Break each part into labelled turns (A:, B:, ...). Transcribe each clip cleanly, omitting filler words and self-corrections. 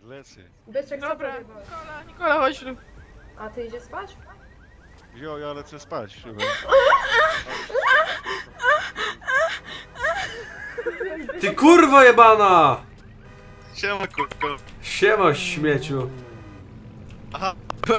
A: Lecę.
B: Byczek, co
C: Dobra,
B: powiedziałeś?
C: Nikola, chodź tu.
B: A ty idziesz spać?
A: Jo, ja lecę spać.
D: Ty kurwo jebana!
E: Siema kurko.
D: Siema śmieciu.
E: Aha.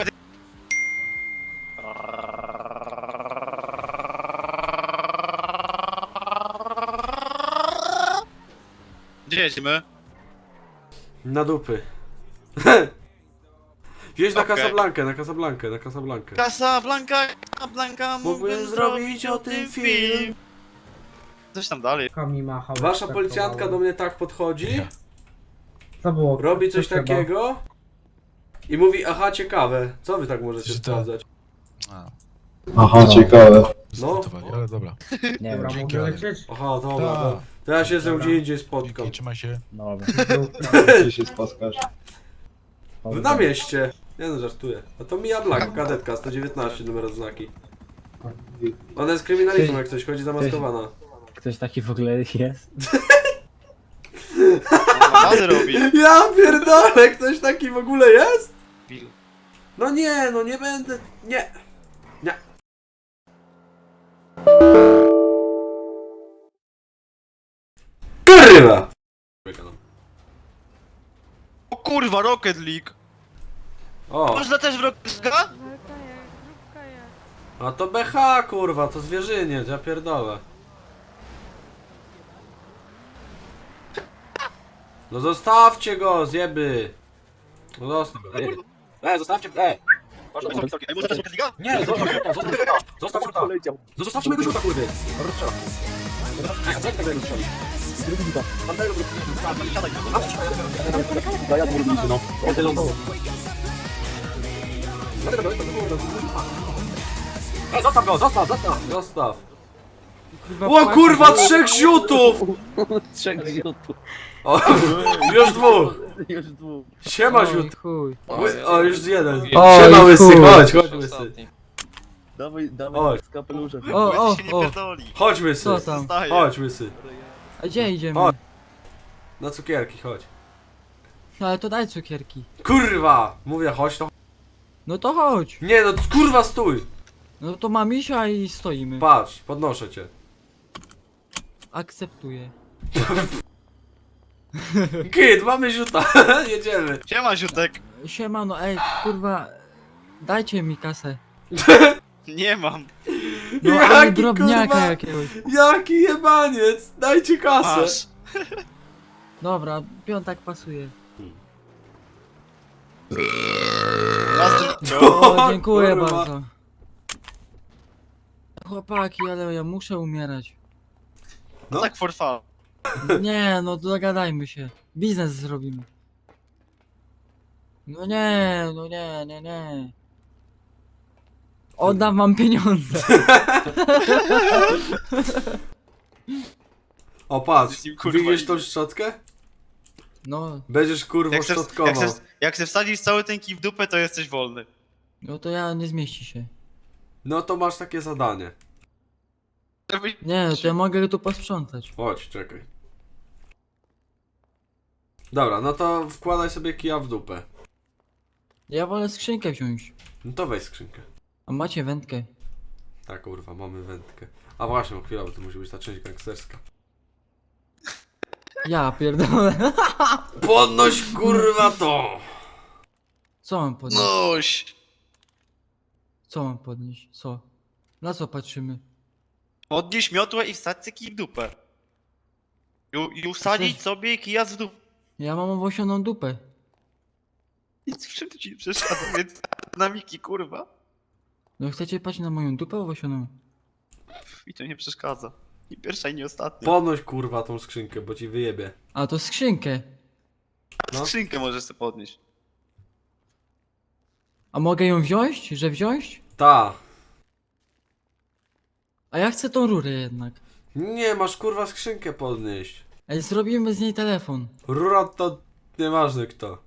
E: Gdzie jedziemy?
D: Na dupy. Wjeźdź na
E: Okej.
D: Casablankę, na Casablankę, na Casablankę.
E: Casablanca,
D: Mógłbym zrobić o tym film.
E: Coś tam dalej.
F: Kami machał.
D: Wasza policjantka do mnie tak podchodzi,
F: Co było?
D: robi coś
F: trzeba?
D: takiego i mówi, aha, ciekawe, co wy tak możecie
G: Że to-
D: sprawdzać?
G: A,
H: Aha, ciekawe.
D: No,
G: zgotowali, ale dobra.
F: Nie dobra,
G: Dzięki,
F: mogę
G: ale-
F: lecieć?
D: aha, dobra,
G: Tak.
D: dobra. To ja się ze
F: Dobra.
D: gdzie indziej spotkam.
G: Dzięki, trzymaj się.
H: Dobra.
F: Zdrówka.
H: Gdzie się spotkasz?
D: Na mieście. Nie no, żartuję. A to Mia Black, kadetka, 119, numer odznaki. Ona jest kryminalistą, jak coś chodzi zamaskowana.
I: Ktoś taki w ogóle jest?
E: Rady robi.
D: Ja pierdolę, ktoś taki w ogóle jest? No nie, no nie będę, nie. Nie. Kurwa!
E: O kurwa, Rocket League.
D: O,
E: Można też w Rocket League?
D: a to BH kurwa, to zwierzyniec, ja pierdolę. No zostawcie go, zjeby. No zostaw go. Zostawcie,
E: Ej, można też w Rocket League?
D: Nie, zostaw żółta, zostaw żółta. Zostawcie mojego żółta, kurwy. Zostaw go, zostaw. Zostaw. O kurwa, 3 ziutów!
I: Trzech ziutów.
D: O, już 2.
I: Już dwóch.
D: Siema ziut.
I: Chuj.
D: O, już 1.
I: Oj,
D: Siema łysy,
I: chuj.
D: chodź łysy.
I: Dawaj,
D: Chodź.
I: z kapeluszem.
E: Łysy się nie pierdoli.
D: Chodź łysy.
I: Co tam?
E: Zostaje.
D: Chodź łysy.
I: A gdzie idziemy?
D: Chodź. Na cukierki, chodź.
I: No ale to daj cukierki.
D: Kurwa! Mówię, chodź to.
I: No to chodź.
D: Nie no, kurwa stój!
I: No to mam misia i stoimy.
D: Patrz, podnoszę cię.
I: Akceptuję.
D: Kid, mamy ziuta, jedziemy.
E: Siema Ziutek.
I: Siemano, ej, kurwa. Dajcie mi kasę.
E: Nie mam.
I: No
D: Jaki,
I: ale drobniaka
D: kurwa?
I: jakiegoś.
D: Jaki jebaniec! Dajcie kasę!
E: Masz.
I: Dobra, piątak pasuje. O, dziękuję
D: kurwa.
I: bardzo. Chłopaki, ale ja muszę umierać.
D: No.
E: Tak for fun.
I: Nie, no dogadajmy się. Biznes zrobimy. No nie, no nie, nie, nie. Oddam wam pieniądze.
D: O patrz,
E: Z nim, kurwa,
D: widzisz tą
E: idzie.
D: szczotkę?
I: No,
D: Będziesz kurwa szczotkował.
E: Jak se wsadzisz cały ten kij w dupę, to jesteś wolny.
I: no to ja nie zmieści się.
D: No to masz takie zadanie.
I: Nie, to ja mogę tu posprzątać.
D: Chodź, czekaj. Dobra, no to wkładaj sobie kija w dupę.
I: Ja wolę skrzynkę wziąć.
D: No to weź skrzynkę.
I: A macie wędkę.
D: Tak kurwa, mamy wędkę. A właśnie, chwila, bo to musi być ta część gangsterska.
I: Ja pierdolę.
D: Podnoś kurwa to!
I: Co mam podnieść?
E: Noś.
I: Co mam podnieść? Co? Na co patrzymy?
E: Podnieś miotłę i wsadź kij w dupę. I usadzić sobie kija w dupę.
I: Ja mam owosioną dupę.
E: Nic w czym to ci nie przeszkadza, więc dynamiki kurwa.
I: No chcecie patrzeć na moją dupę owosioną?
E: I to nie przeszkadza. I pierwsza i nie ostatnia.
D: Podnoś kurwa tą skrzynkę, bo ci wyjebie.
I: A to skrzynkę.
D: no.
E: Skrzynkę możesz sobie podnieść.
I: A mogę ją wziąć? Że wziąć?
D: Ta.
I: A ja chcę tą rurę jednak.
D: Nie, masz kurwa skrzynkę podnieść.
I: Ej, zrobimy z niej telefon.
D: Rura to nieważne kto.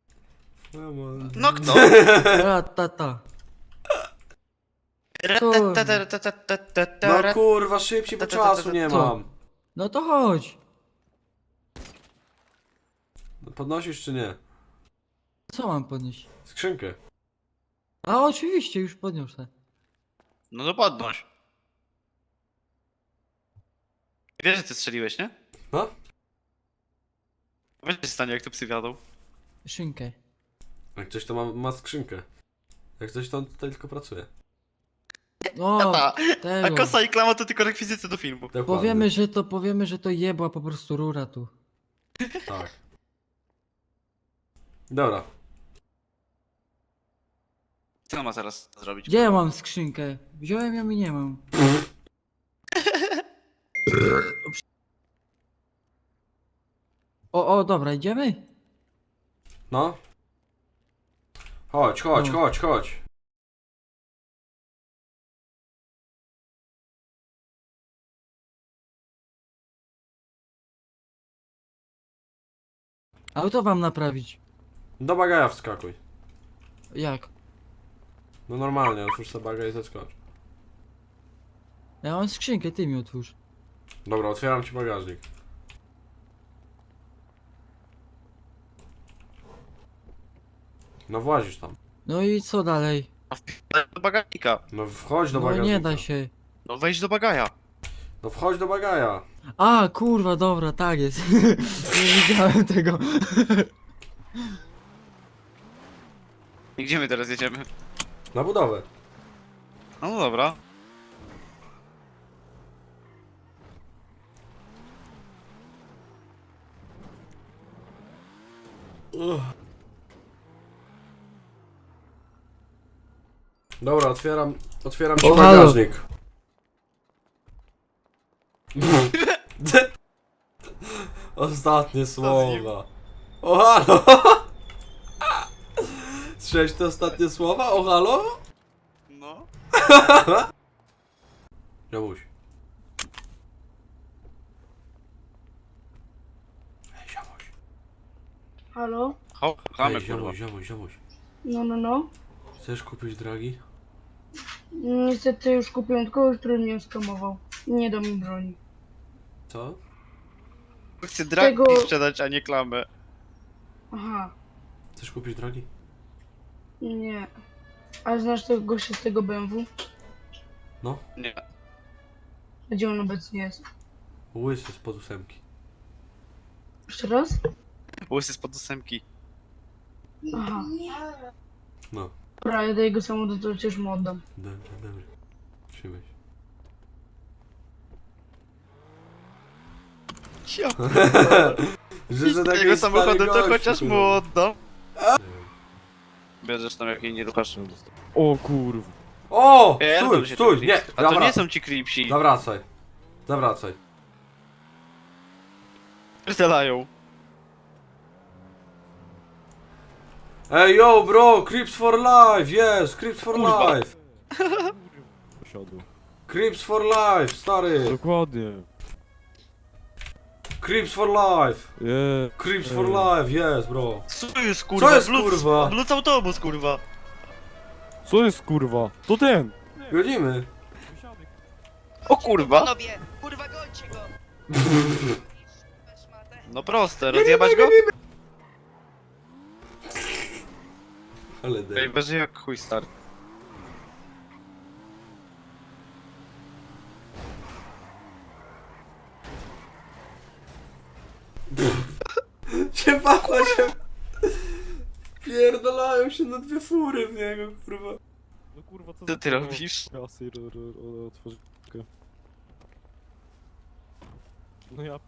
E: No kto?
I: Ta.
D: No kurwa, szybciej, bo czasu nie
I: Co?
D: mam.
I: No to chodź.
D: Podnosisz czy nie?
I: Co mam podnieść?
D: Skrzynkę.
I: A oczywiście, już podniosę.
E: No to podnoś. Wiesz, że ty strzeliłeś, nie?
D: No?
E: Wiesz, co się stanie, jak to psy wiadą.
I: Szynkę.
D: Jak coś to ma skrzynkę. Jak coś to on tutaj tylko pracuje.
I: O,
E: A
I: tego.
E: kosa i klama to tylko rekwizyty do filmu.
D: Dokładnie.
I: Powiemy, że to jebła po prostu rura tu.
D: Tak. Dobra.
E: Co on ma teraz zrobić?
I: Gdzie ja mam skrzynkę? Wziąłem ją i nie mam. O, dobra, idziemy?
D: No. Chodź, chodź,
I: No.
D: chodź, chodź.
I: Auto wam naprawić.
D: Do bagaja wskakuj.
I: Jak?
D: No normalnie, otwórz sobie bagaj i zeskocz.
I: Ja mam skrzynkę, ty mi otwórz.
D: Dobra, otwieram ci bagażnik. No włazisz tam.
I: No i co dalej?
E: A wpierdaj do bagażnika.
D: No wchodź do
I: No
D: bagażnika.
I: nie da się.
E: No wejdź do bagaja.
D: No wchodź do bagaja.
I: A, kurwa, dobra, tak jest. Nie widziałem tego.
E: I gdzie my teraz jedziemy?
D: Na budowę.
E: No dobra.
D: Dobra, otwieram ci
I: O, halo.
D: bagażnik. Ostatnie słowa. O halo! Słyszałeś te ostatnie słowa? O halo?
E: No.
D: Ziomuś. Ej, ziomuś.
B: Halo?
E: Chamy,
D: Ej,
E: kurwa.
D: ziomuś.
B: No.
D: Chcesz kupić dragi?
B: Niestety już kupiłem kogoś, który mnie skamował. Nie da mi broni.
D: Co?
E: Chcę dragi
B: Tego-
E: sprzedać, a nie klamę.
B: Aha,
D: Chcesz kupić dragi?
B: nie. A znasz tego gościa z tego BMW?
D: No.
E: Nie.
B: Gdzie on obecnie jest?
D: Łysy spod ósemki.
B: Jeszcze raz?
E: Łysy spod ósemki.
B: Aha.
D: No.
B: Dobra, ja do jego samochodu to przecież mu oddam.
D: Dobrze. Trzymaj się.
E: Ja
D: Że
E: z tego
D: taki
E: samochodu
D: stary
E: to
D: gościu,
E: chociaż mu
D: kurwa.
E: oddam. Bierzesz tam jak jej nie ruchasz.
C: O kurwa.
D: O!
E: Pierdol się
D: Stój!
E: ten
D: Nie!
E: creeps. A to nie są ci creepsi.
D: Zawracaj.
E: Pierdalają.
D: Ej, yo, bro! Creeps for life! Yes! Creeps for
E: Kurwa.
D: life!
C: Posiadł.
D: Creeps for life, stary!
C: Dokładnie.
D: Creeps for life!
C: Je.
D: Creeps for life, yes, bro!
E: Co jest kurwa?
D: Co jest,
E: Bluc-
D: kurwa?
E: Bluc autobus kurwa.
C: Co jest kurwa? To ten!
D: Godzimy!
E: O kurwa.
G: Panowie, kurwa gońcie go!
E: No proste, rozjebać go?
D: Ale
E: Ej,
D: dej.
E: beży jak chuj stary.
D: Się pachła się! Pierdolają się na dwie fury w niego, kurwa.
C: No kurwa, co
E: Co ty robisz?
C: Jasy, otworzyć. No ja...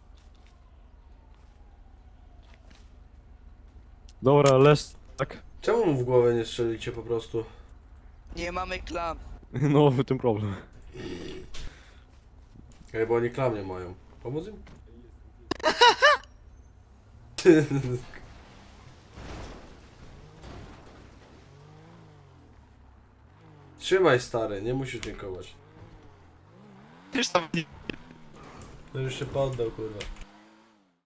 C: Dobra, leż tak.
D: Czemu mu w głowę nie strzelicie po prostu?
G: Nie mamy klam.
C: No, w tym problem.
D: Ej, bo oni klam nie mają. Pomóc im? Trzymaj, stary, nie musisz dziękować.
E: Już tam
D: No już się poddał, kurwa.